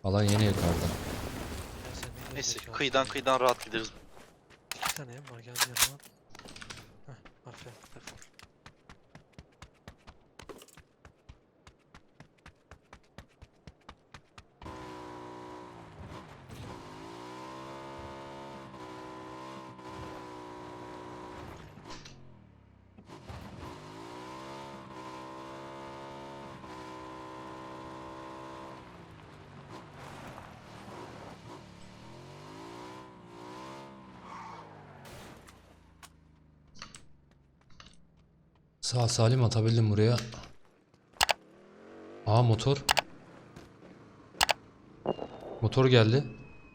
Alan yeni yukarıda. Ya sen ne Neyse gerizekalı kıyıdan rahat gideriz. 2 tane ev var geldi yanıma. Heh aferin defol. Sağ salim atabildim buraya. Aa motor. Motor geldi.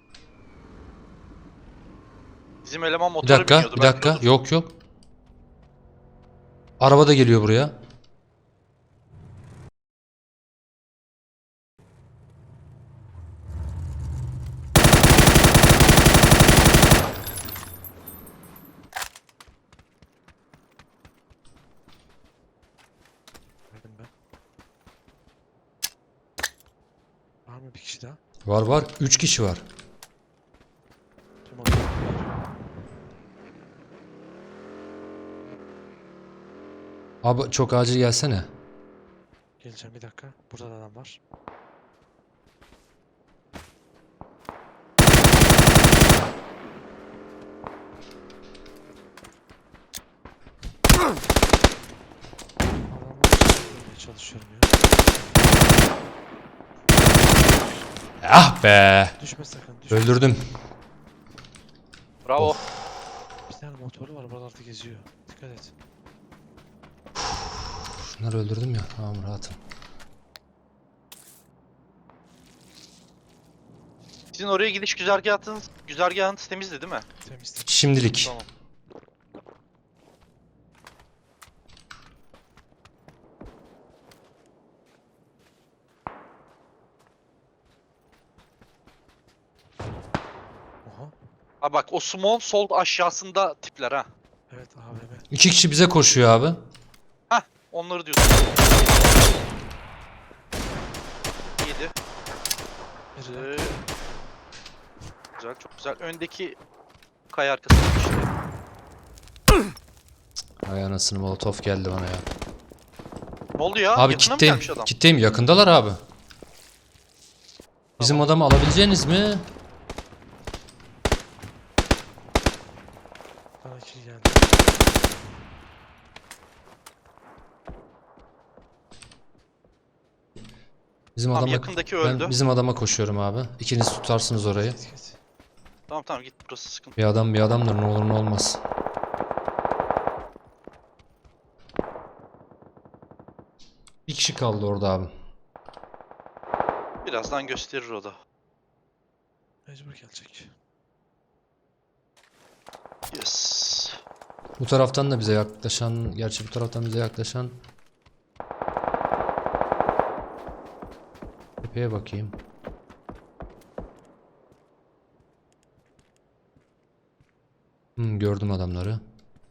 Bizim eleman Bir motora dakika, biniyordu bir belki dakika. odur. Yok yok. Araba da geliyor buraya. Verdim ben. Var mı bir kişi daha? Var var. 3 kişi var. Tüm adamlar var. Abi çok acil gelsene. Geleceğim bir dakika. Burada da adam var. Adamları çekmeye çalışıyorum ya. Ah be. Düşme sakın düşme. Öldürdüm. Bravo. Bir tane motoru var buralarda geziyor. Dikkat et. Şunları öldürdüm ya. Tamam rahatım. Sizin oraya gidiş güzergahınız temizdi değil mi? Temizlik. Şimdilik. Tamam. Oha. Ha bak o small sol aşağısında tipler ha. Evet AVM. 2 kişi bize koşuyor abi. Onları diyorsun. 7. Biri Güzel. Güzel, çok güzel. Öndeki kaya arkasında işte. Ay anasını molotof geldi bana ya. Ne oldu ya? Abi Yakına mı kitleyim. gelmiş adam? Kitleyim. Yakındalar abi. Bizim Tamam. adamı alabileceğiniz mi? bana kill geldi. Bizim Tamam, adama yakındaki öldü. ben bizim adama koşuyorum abi. İkiniz tutarsınız orayı. Git. Tamam tamam git, burası sıkıntı. Bir adam bir adamdır, ne olur ne olmaz. Bir kişi kaldı orada abi. Birazdan gösterir o da. Mecbur gelecek. Yes. Bu taraftan da bize yaklaşan, gerçi bu taraftan bize yaklaşan. Tepeye bakayım. Gördüm adamları.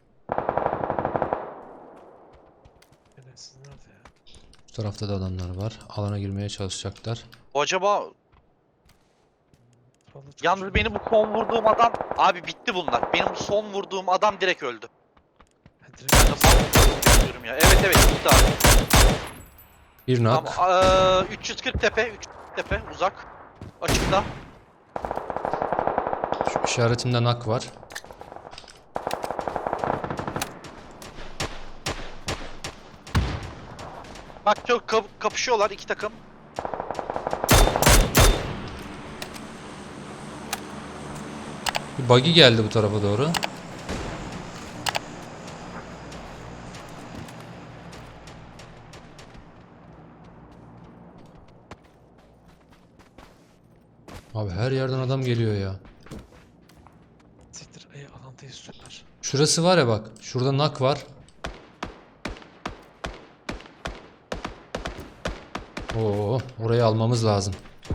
Siz nerede ya? Bu tarafta da adamlar var. Alana girmeye çalışacaklar. O acaba Vallahi çok yalnız benim bu son vurduğum adam, abi bitti bunlar. Benim bu son vurduğum adam direkt öldü. Ha, Ben direkt de son diyorum ya. Evet evet bitti abi. Bir nak. Tamam. 340 tepe, 340 tepe uzak. Açıkta. Şu işaretimde nak var. Bak çok kapışıyorlar iki takım. Bir buggy geldi bu tarafa doğru. Abi her yerden adam geliyor ya. siktir. Alantayı süper. Şurası var ya bak. Şurada nak var. Oo, orayı almamız lazım.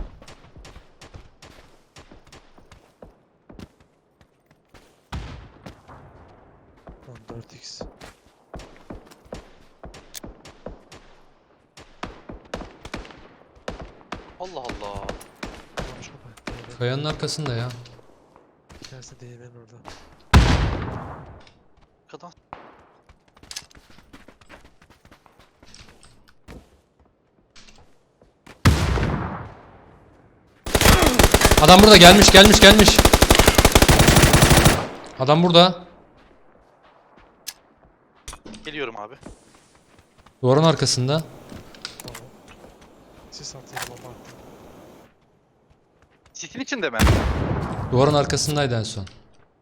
Lan 4x. Allah Allah. Kayanın arkasında ya. Bir tanesi de değirmenin orada. Arkadan. Adam burada, gelmiş. Adam burada. Geliyorum abi. Duvarın arkasında. Tamam. Sis atayım bomba attım. Sisin içinde mi? Duvarın arkasındaydı en son.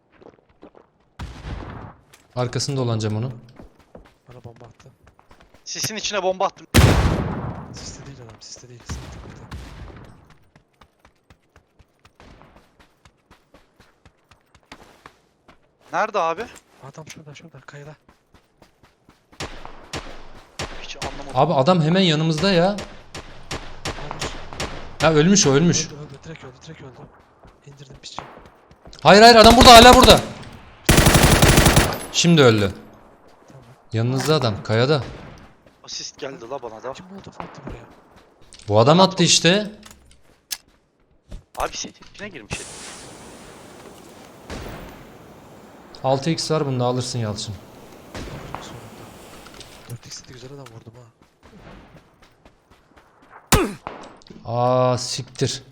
Arkasında olan cam onu. Bana bomba attı. Sisin içine bomba attım. Siste değil adam, siste değil. Siste değil. Nerede abi? Adam şurada, kayada. Hiç anlamadım. Abi adam hemen yanımızda ya. Hayır. Ya ölmüş o, ölmüş. Öldü, direkt öldü. İndirdim piçi. Hayır adam burada, hala burada. Şimdi öldü. Tamam. Yanınızda adam, kayada. Asist geldi la bana da. Kim molotof attı buraya? Bu adam attı işte. Abi sisin içine girmiş herif. 6x var bunda, alırsın Yalçın. Alırım sonunda. 4x'de güzel adam vurdum ha. Aa siktir.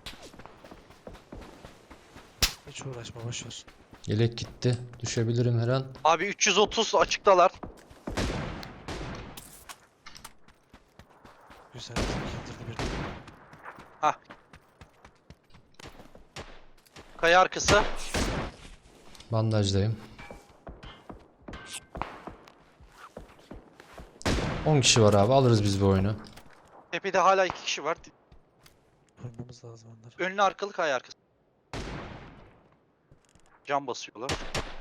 Hiç uğraşma, boşver. Yelek gitti. Düşebilirim her an. Abi 330 açıktalar. Güzel, indirdi birini. Kaya arkası. Bandajdayım. 10 kişi var abi, alırız biz bu oyunu. Tepede hala 2 kişi var. Vurmamız lazım onları. Önlü arkalı kaya arkası. Cam basıyorlar.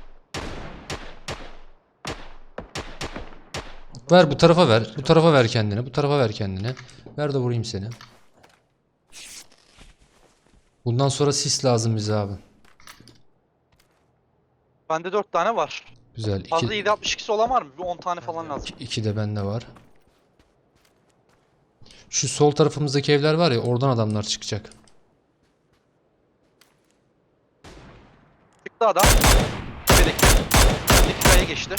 Ver bu tarafa ver. Bu tarafa ver kendini. Bu tarafa ver kendini. Ver de vurayım seni. Bundan sonra sis lazım bize abi. Bende 4 tane var. Güzel. Fazla 7.62'si olan var mı? Bir 10 tane falan lazım. 2 de bende var. Şu sol tarafımızdaki evler var ya, oradan adamlar çıkacak. Çıktı adam. Tepedeki. Öndeki kaya geçti.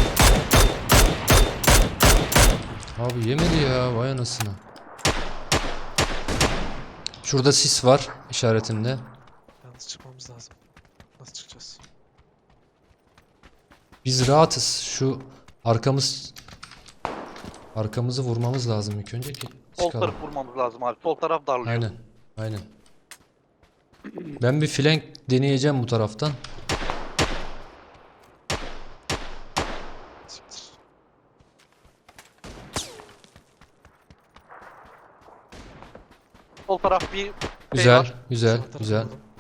Abi yemedi ya, vay anasını. Şurada sis var işaretinde. Yalnız çıkmamız lazım. Nasıl çıkacağız? Biz rahatız. Şu arkamızı vurmamız lazım ilk önce ki Sol çıkalım. taraf vurmamız lazım abi. Sol taraf darlıyor. Aynen. Ben bir flank deneyeceğim bu taraftan. Siktir. Sol taraf bir Güzel, var. güzel, Sağ tarafı güzel. vurdum.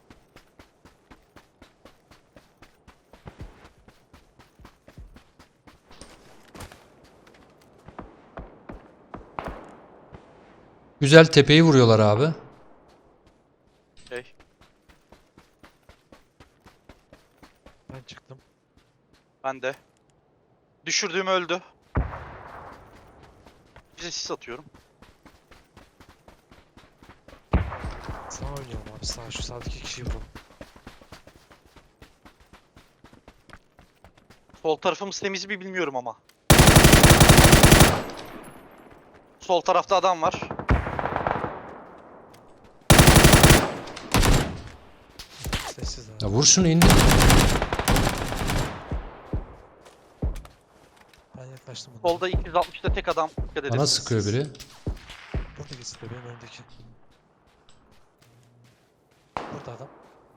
Güzel, tepeyi vuruyorlar abi. şey. Ben çıktım. Ben de. Düşürdüğüm öldü. Bize sis atıyorum. Sağ oynayalım abi, sağ. Şu sağdaki kişiyi vuralım. Sol tarafımız temiz mi bilmiyorum ama. Sol tarafta adam var. Sessiz abi. Ya vur şunu, indir. Ben yaklaştım ona. Solda 260'ta tek adam. Dikkat edin. Bana sıkıyor biri. Burada geçti benim öndeki. Burada adam.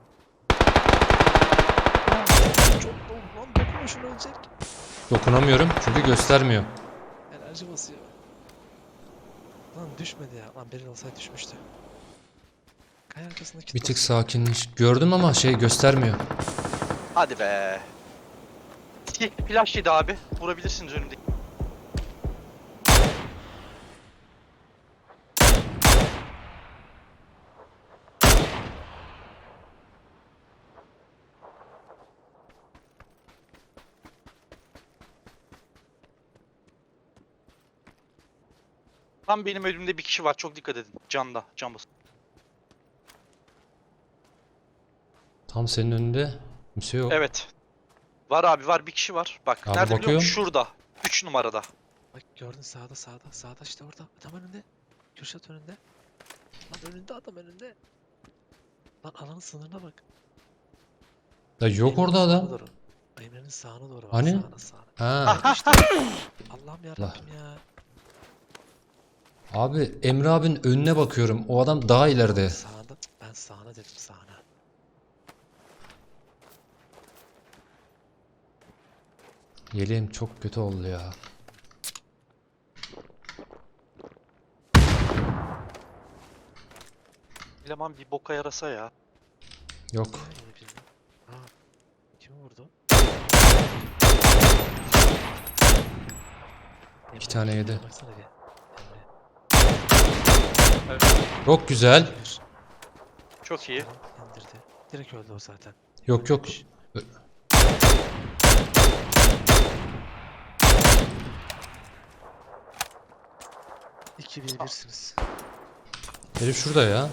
Çok dolu lan, dokunma şunu, ölecek. Dokunamıyorum çünkü göstermiyor. Enerji basıyor. Lan düşmedi ya. Lan Beril olsaydı düşmüştü. Kaya arkasındaki Bir tık sakinleş. Gördüm ama göstermiyor. Hadi be. Flash yedi abi. Vurabilirsiniz önümdeki. Tam benim önümde bir kişi var. Çok dikkat edin. Canda. Can basın. Tam senin önünde kimse yok. Evet. Var abi var, bir kişi var. Bak Abi nerede biliyor bakıyorum. musun? Şurada. 3 numarada. Bak gördün sağda sağda. Sağda işte orada. Adam önünde. Kürşat önünde. Lan önünde adam önünde. Lan alanın sınırına bak. Ya yok Emre'nin orada sağına adam. doğru. Emre'nin sağına doğru bak. Hani? Sağına sağına. Ha. Bak işte. Allah'ım yarabbim ya. Abi Emre abinin önüne bakıyorum. O adam daha ileride. Sağında. Cık, ben sağına dedim sağına. Yeleğim çok kötü oldu ya. Eleman bir boka yarasa ya. Yok. Niye yedi birini? Aa. Kimi vurdu? Emre, tane Emre, yedi. baksana bir. Emre. Evet. Çok güzel. Bir. Çok iyi. Tamam, indirdi. Direkt öldü o zaten. Yok yok. Ölmemiş. İki bir birsiniz. Herif şurada ya.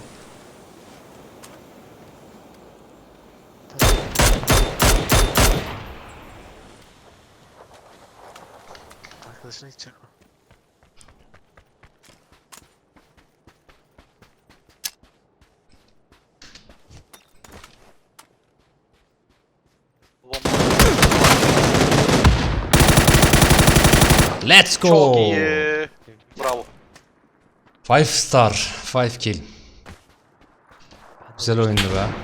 Arkadaşına gidecek o. Bomba. Let's go. Çok iyi. Bravo. 5 star. 5 kill. Ben de Güzel olmuştum. oyundu be. Ya,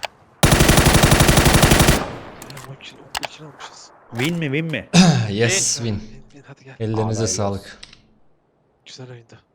bu ikili olmuşuz. Win mi win mi? Yes win. Hadi gel. Ellerinize Vallahi sağlık. Güzel oyundu.